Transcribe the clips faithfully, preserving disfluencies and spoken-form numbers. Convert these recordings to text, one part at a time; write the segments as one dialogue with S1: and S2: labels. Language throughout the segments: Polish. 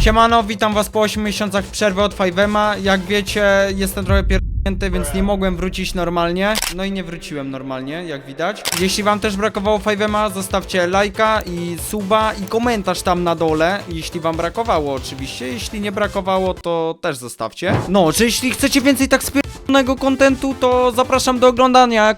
S1: Siemano, witam was po ośmiu miesiącach przerwy od five ema. Jak wiecie, jestem trochę pierdolnięty, więc nie mogłem wrócić normalnie. No i nie wróciłem normalnie, jak widać. Jeśli wam też brakowało five ema, zostawcie lajka i suba i komentarz tam na dole. Jeśli wam brakowało oczywiście, jeśli nie brakowało, to też zostawcie. No, czy jeśli chcecie więcej tak spierdolonego kontentu, to zapraszam do oglądania.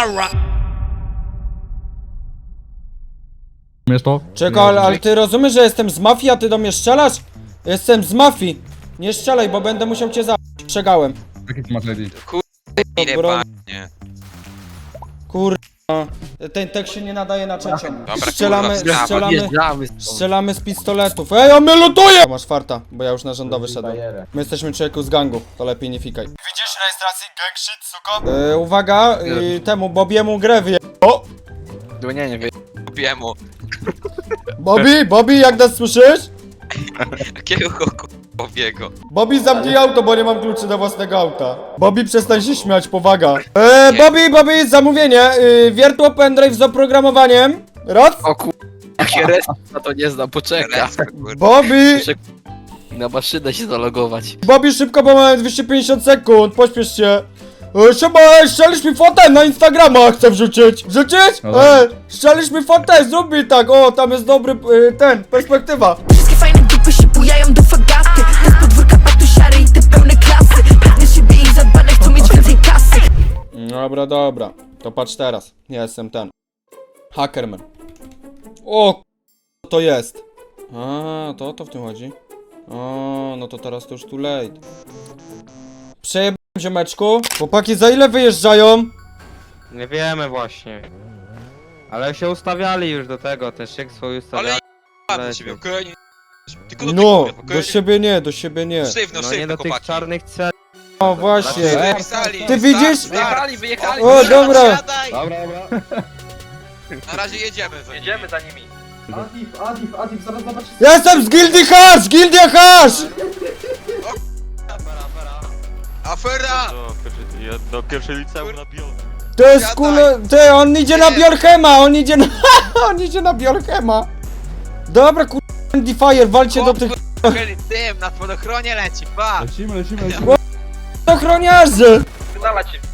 S2: Wiesz to?
S1: Czekaj, ale, ale ty rozumiesz, że jestem z mafii, a ty do mnie strzelasz? Jestem z mafii. Nie strzelaj, bo będę musiał cię zabić. Przegałem.
S2: Jaki ty masz I D?
S3: Ile
S1: Bro-
S3: panie.
S1: Kurwa. Ten tekst się nie nadaje na czacie.
S3: Dobra,
S1: Strzelamy,
S3: kurwa,
S1: strzelamy,
S4: Wjeżdżamy.
S1: strzelamy z pistoletów. Ej, on mnie lutuje! Masz farta, bo ja już na rządowy szedłem. My jesteśmy człowieku z gangu, to lepiej nie fikaj. Widzisz rejestracji gang shit, suko? Yy, uwaga, yy, temu Bobiemu grę wyje... O!
S4: Nie, nie, wie.
S3: Kupiemu.
S1: Bobby, Bobby, jak nas słyszysz?
S3: Jakiego k***owiego?
S1: Bobby, zamknij auto, bo nie mam kluczy do własnego auta. Bobby, przestań się śmiać, powaga. Eee, Bobby, Bobby, zamówienie. Yy, wiertło pendrive z oprogramowaniem. Raz.
S4: O kur... Jakie respa to nie znam, poczeka.
S3: Respa, kurwa.
S1: Bobby,
S4: Muszę na maszynę się zalogować.
S1: Bobby, szybko, bo mamy dwieście pięćdziesiąt sekund, pośpiesz się. E, Siema, strzelisz mi fotę na Instagrama, chcę wrzucić. Wrzucić?
S2: Dobra.
S1: E, strzelisz mi fotę, zrób mi tak, o, tam jest dobry, e, ten, perspektywa.
S5: Wszystkie fajne dupy się bujają do fagasty. Z podwórka patusiary i te pełne klasy. Pewne siebie i zadbane chcą mieć więcej kasy.
S1: Dobra, dobra, to patrz teraz, ja jestem ten. Hackerman. O, co to jest? A, to o to w tym chodzi. O, no to teraz to już too late. Przejebałem, ziomeczku. Chłopaki, za ile wyjeżdżają?
S6: Nie wiemy właśnie. Ale się ustawiali już do tego, ten szyk swój
S3: Ale
S6: ustawiali.
S3: ja do ciebie, okej. Tylko do
S1: No,
S3: tego,
S1: do siebie nie, do siebie nie.
S3: Sztywno,
S6: No nie
S3: sztywno,
S6: do tych
S3: chłopaki.
S6: czarnych cel.
S1: O, właśnie.
S3: Ej, pisali,
S1: Ty widzisz?
S3: start,
S4: Wyjechali, wyjechali.
S1: O, dobra.
S3: Siadaj.
S2: Dobra, dobra.
S3: Na razie jedziemy. za nimi.
S4: za nimi.
S7: Adif, Adif, Adif, zaraz zobaczysz.
S1: Jestem z Gildii Hash! Gildia Hash!
S3: Afera!
S8: Do pierwszej liceum na bio.
S1: To jest
S3: Siadaj.
S1: kule... Ty, on idzie na
S3: Nie.
S1: Biorchema, on idzie na... on idzie na Biorchema. Dobra, kur... Andy Fire, walcie do tych
S3: Chłopcy, tym, na spadochronie leci, pa!
S2: Lecimy, lecimy, lecimy.
S1: ochroniarzy!
S4: Wydala cię.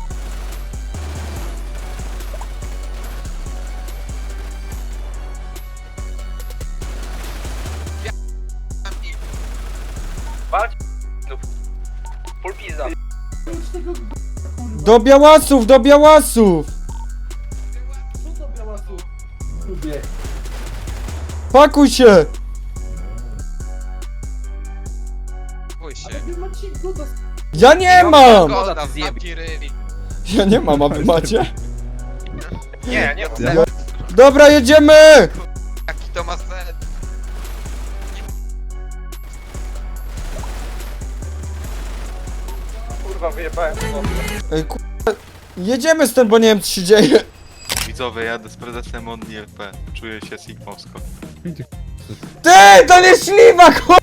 S4: Walcz. Full pizza.
S1: Do białasów, do białasów!
S7: Co to białasu? Lubię.
S1: Pakuj się!
S3: Bój się.
S7: Wy macie go do...
S1: Ja nie mam!
S3: Goda, zamknij ryj.
S1: Ja nie mam, a wy macie?
S4: Nie, nie.
S1: Dobra, jedziemy!
S3: Jaki to ma sens?
S4: Kurwa, wyjebałem.
S1: Ej, kur... Jedziemy stąd, bo nie wiem co się dzieje.
S8: Widzowie, jadę z prezesem Omni L P. Czuję się sigmowsko.
S1: Ty, to nie śliwak, kur...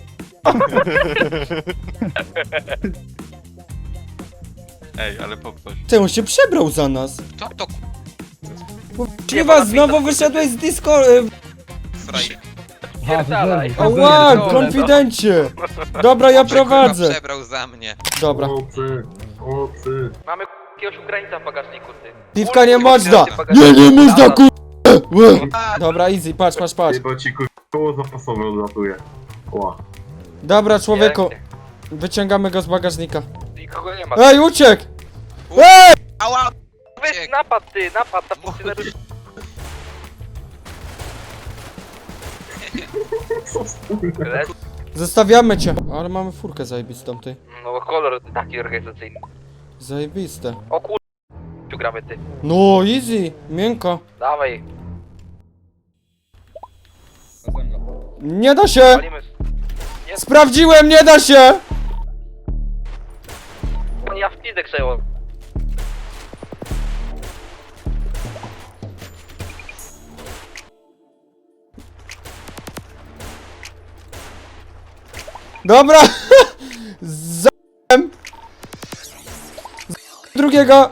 S8: Ej, ale poproś.
S1: Ty, on się przebrał za nas.
S3: Co to
S1: Śliwa, znowu wyszedłeś z Discord... y,
S3: frajer?
S4: Pierdalaj.
S1: Ała, konfidencie! Dobra, ja
S3: Że kurwa
S1: prowadzę.
S3: przebrał za mnie.
S1: Dobra.
S4: Mamy jakiegoś Ukraińca w bagażniku, ty.
S1: Piwka nie można! Nie, nie można, kur... Łe. Dobra, easy, patrz, patrz, patrz.
S9: Bo ci koło zapasowe odlatuje. Ła.
S1: Dobra, człowieku. Wyciągamy go z bagażnika.
S4: Nikogo nie ma.
S1: Ej, uciekł! Ej!
S3: Ała!
S4: Weź napad, ty, napad na funkcjonariusz.
S1: Zostawiamy cię. Ale mamy furkę zajebistą, ty.
S4: No bo kolor taki organizacyjny.
S1: Zajebiste.
S4: O kur... Tu gramy, ty.
S1: No, easy, miękko.
S4: Dawaj.
S1: Nie da się!
S4: Walimy.
S1: Sprawdziłem, nie da się!
S4: Ja w pizdę krzeło.
S1: Dobra! Z***em. Z drugiego!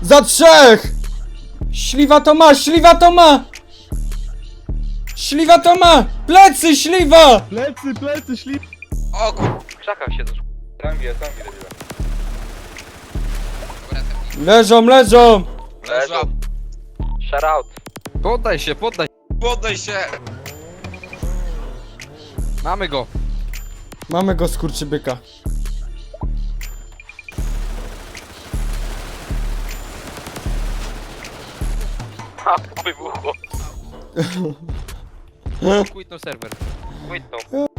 S1: Za trzech! Śliwa to ma, śliwa to ma! Śliwa to ma! Plecy, śliwa!
S2: Plecy, plecy, ślip.
S3: O kur...
S4: W krzakach siedzą. Tam wie, tam wie.
S1: Leżą, leżą!
S3: Leżą.
S4: Shout out.
S6: Poddaj się, poddaj.
S3: Poddaj się!
S6: Mamy go.
S1: Mamy go, skurczybyka.
S4: Ha, wybuchło.
S6: Quitno serwer.
S4: Quitnął.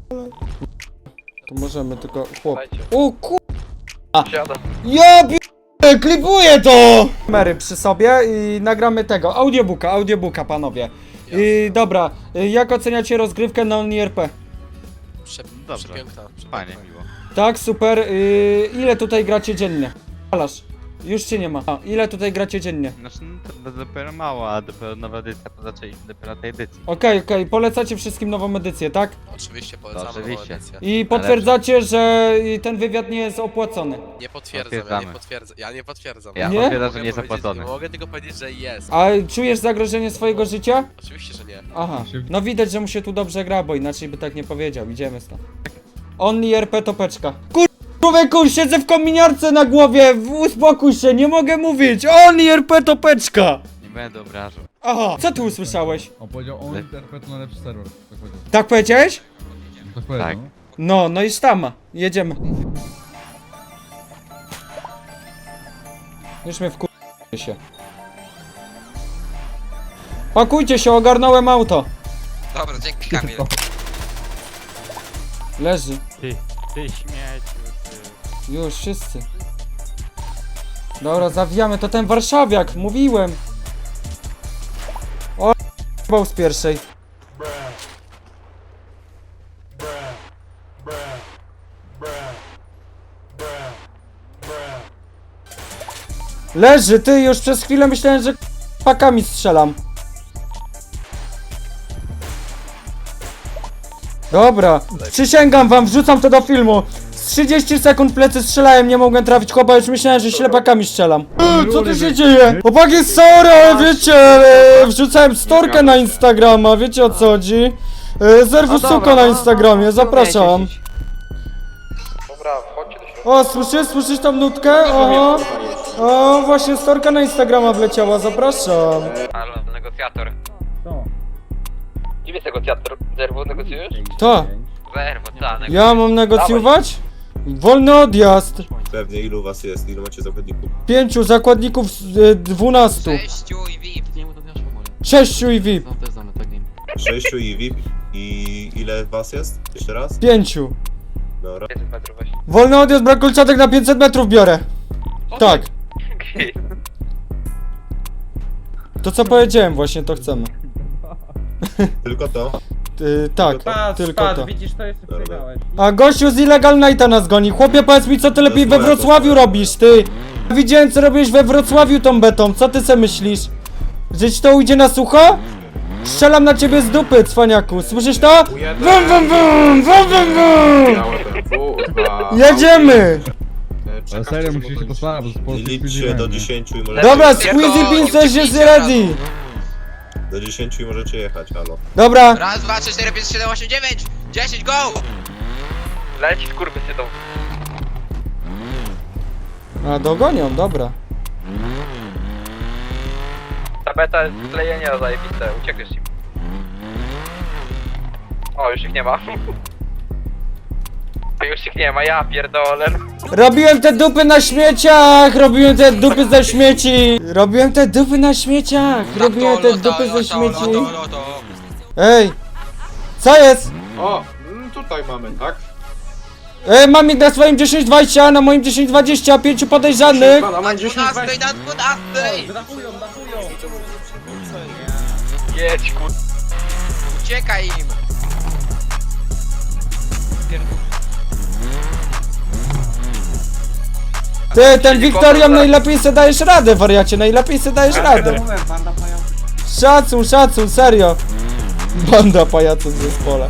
S1: To możemy tylko... Chłop.
S4: Dajcie.
S1: O ku...
S4: Siada.
S1: Ja p... klipuję to! Kamery przy sobie i nagramy tego, audiobooka, audiobooka panowie. I dobra, y, jak oceniacie rozgrywkę na Only R P?
S2: Dobrze. Fajnie, miło.
S1: Tak, super. Y, ile tutaj gracie dziennie? Alasz, już cię nie ma. A, ile tutaj gracie dziennie?
S2: Znaczy, no, to dopiero mało, a dopiero nowa edycja, to zaczęliśmy dopiero tej edycji.
S1: Okej, okej, polecacie wszystkim nową edycję, tak?
S10: Oczywiście polecamy
S2: Oczywiście.
S10: nową edycję.
S1: I potwierdzacie, że y, ten wywiad nie jest opłacony.
S10: Nie potwierdzam, ja nie
S2: Potwierdzamy.
S10: potwierdzam. Ja nie potwierdzam.
S2: Ja
S1: Nie?
S2: potwierdzam, że
S10: Mogę
S2: nie jest
S10: powiedzieć-
S2: opłacony.
S10: Mogę tylko powiedzieć, że jest.
S1: A czujesz zagrożenie swojego życia?
S10: Oczywiście, że nie.
S1: Aha, no widać, że mu się tu dobrze gra, bo inaczej by tak nie powiedział. Idziemy stąd. Only R P topeczka. Kur... Człowieku, siedzę w kominiarce na głowie, w- uspokój się, nie mogę mówić. Only R P topeczka.
S2: Nie będę obrażał.
S1: Aha, co ty usłyszałeś?
S11: On powiedział, on interpret to najlepszy serwer. Tak powiedział.
S1: Tak powiedziałeś?
S11: Tak powiedział.
S2: Tak.
S11: no.
S1: No, no i sztama. Jedziemy. Już mnie wkur... się. Pakujcie się, ogarnąłem auto.
S3: Dobra, dzięki Kamil.
S1: Leży.
S2: Ty, ty śmieciu, ty.
S1: Już, wszyscy. Dobra, zawijamy, to ten warszawiak, mówiłem. O, bał z pierwszej. Leży, ty, już przez chwilę myślałem, że pakami strzelam. Dobra, przysięgam wam, wrzucam to do filmu. Z trzydzieści sekund plecy strzelałem, nie mogłem trafić chłopa, już myślałem, że ślepakami strzelam. Eee, co tu się dzieje? Chłopaki, sorry, ale wiecie, e, wrzucałem storkę na Instagrama, wiecie o co chodzi? E, Zerwu suko na Instagramie, zapraszam.
S4: Dobra, wchodźcie do środka.
S1: O, słyszysz, słyszysz tą nutkę? Oho. O, właśnie storka na Instagrama wleciała, zapraszam.
S4: Halo, negocjator. Kim jest negocjator? Zerwu negocjujesz?
S1: To,
S4: Zerwu, co?
S1: ja mam negocjować? Wolny odjazd.
S9: Pewnie ilu was jest, ilu macie zakładników?
S1: Pięciu zakładników z y, dwunastu.
S3: Sześciu i V I P.
S1: Sześciu i V I P.
S9: Sześciu i V I P. I ile was jest? Jeszcze raz?
S1: Pięciu.
S9: Dobra.
S4: pięćset metrów weź.
S1: Wolny odjazd, brak kolczatek na pięćset metrów biorę. Tak. To co powiedziałem właśnie, to chcemy.
S9: Tylko to?
S1: Y, tak,
S9: Spadł,
S1: tylko to.
S7: Widzisz, to jeszcze
S9: Dobra.
S1: A gościu z Illegal Nighta nas goni. Chłopie, powiedz mi, co ty lepiej we Wrocławiu robisz, ty. Widziałem, co robiłeś we Wrocławiu tą betą. Co ty se myślisz? Że ci to ujdzie na sucho? Strzelam na ciebie z dupy, cwaniaku. Słyszysz to? Wum, wum, wum, wum, wum, wum. Jedziemy!
S11: Ale serio, musisz się postarać, bo po
S9: Liczcie do dziesięciu i możecie...
S1: Dobra, Squeezy Pincers jest ready.
S9: Do dziesięciu i możecie jechać, halo.
S1: Dobra.
S3: Raz, dwa, trzy, cztery, pięć, siedem, osiem, dziewięć! Dziesięć, go!
S4: Leci skurwy się tą.
S1: A, dogonią, dobra.
S4: Ta beta jest sklejenia zajebiste, uciekniesz im. O, już ich nie ma. Już ich nie ma, ja pierdolę.
S1: Robiłem te dupy na śmieciach! Robiłem te dupy ze śmieci! Robiłem te dupy na śmieciach! Robiłem te dupy ze śmieci! Ej! Co jest?
S8: O, tutaj mamy, tak?
S1: Ej, mam ich na swoim dziesięć dwadzieścia, na moim dziesięć dwadzieścia, pięciu podejrzanych!
S3: Na dwunastej, na dwunastej!
S4: Jedź, kur...
S3: Uciekaj im!
S1: Ty, ten Wiktorią najlepiej se dajesz radę, wariacie, najlepiej se dajesz radę. Szacun, szacun, serio. Banda pajaców w zespole.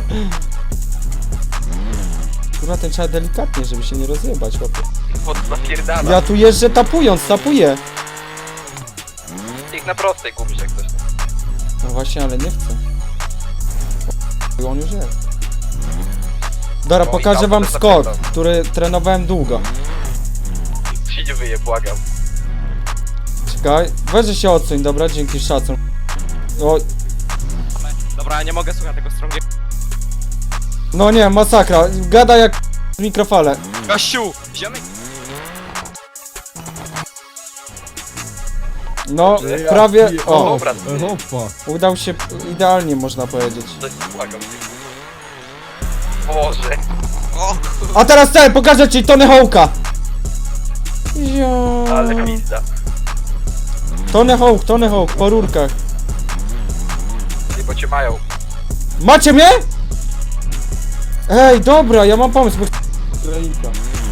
S1: Kurwa, ten trzeba delikatnie, żeby się nie rozjebać, chłopie.
S4: Pod napierdala.
S1: Ja tu jeżdżę tapując, tapuję.
S4: na prostej kupić jak coś.
S1: No właśnie, ale nie chcę. O, on już jest. Dobra, pokażę wam skok, który trenowałem długo.
S4: Się nie wyje, błagam.
S1: Czekaj, weź że się odsuń, dobra? Dzięki, szacun. O,
S4: Dobra, nie mogę słuchać tego strągiego.
S1: no nie, masakra. Gada jak w mikrofale.
S4: Gościu! Ziomek!
S1: No, prawie... O,
S4: Dobra,
S11: E, Hopa.
S1: udał się idealnie, można powiedzieć.
S4: coś błagam. Boże.
S3: O,
S1: A teraz ten, pokażę ci Tony Hawk'a. Jo.
S4: Ale pizda.
S1: Tony Hawk, Tony Hawk, po rurkach.
S4: Nie, bo cię mają.
S1: Macie mnie? Ej, dobra, ja mam pomysł, bo... Ukrainka.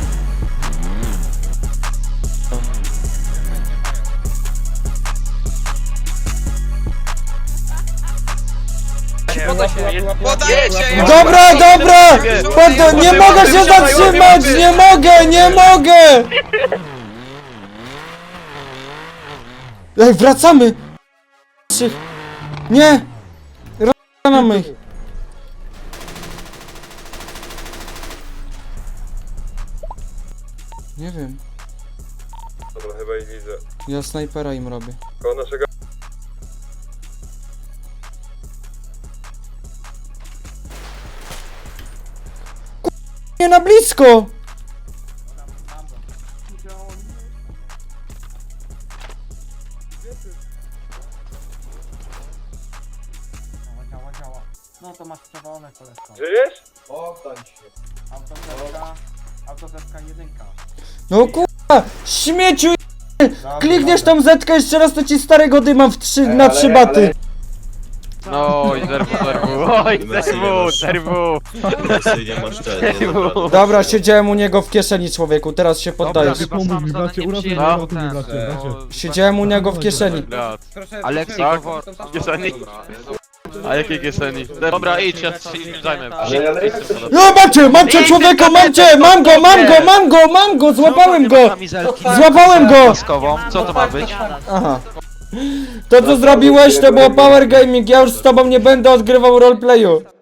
S3: podajecie!
S1: Dobra, dobra! Pod... Nie mogę się zatrzymać! Nie mogę, nie mogę! Ej, wracamy! Trzy- Nie! Rozgramy ich. Nie wiem.
S8: Dobra, chyba ich widzę.
S1: Ja snajpera im robię.
S8: Koło naszego...
S1: Nie na blisko!
S7: No to masz przewalone koleżko.
S8: Żyjesz?
S7: Oddaj się. Autozetka, autozetka jedynka.
S1: No kurwa! Śmieciu! Klikniesz tą zetkę jeszcze raz, to ci starego dymam w trzy, na trzy baty.
S2: No i zerwu, zerwu, oj, zerwu, zerwu.
S9: Mercy, nie masz czego.
S1: Dobra, siedziałem u niego w kieszeni, człowieku, teraz się poddajesz.
S11: Ty pomóż mi, bracie, uratujmy mnie,
S2: No.
S11: uratujmy, bracie, bracie.
S1: Siedziałem u niego w kieszeni.
S2: Aleksik, tak? W kieszeni? A jakiej kieszeni? Dobra, idź, ja się zajmę.
S1: No mam cię, mam cię człowieku, mam cię, mam go, mam go, mam go, mam go, złapałem go! Złapałem go!
S2: Co to ma być?
S1: Aha. To co zrobiłeś to było power gaming, ja już z tobą nie będę odgrywał roleplayu.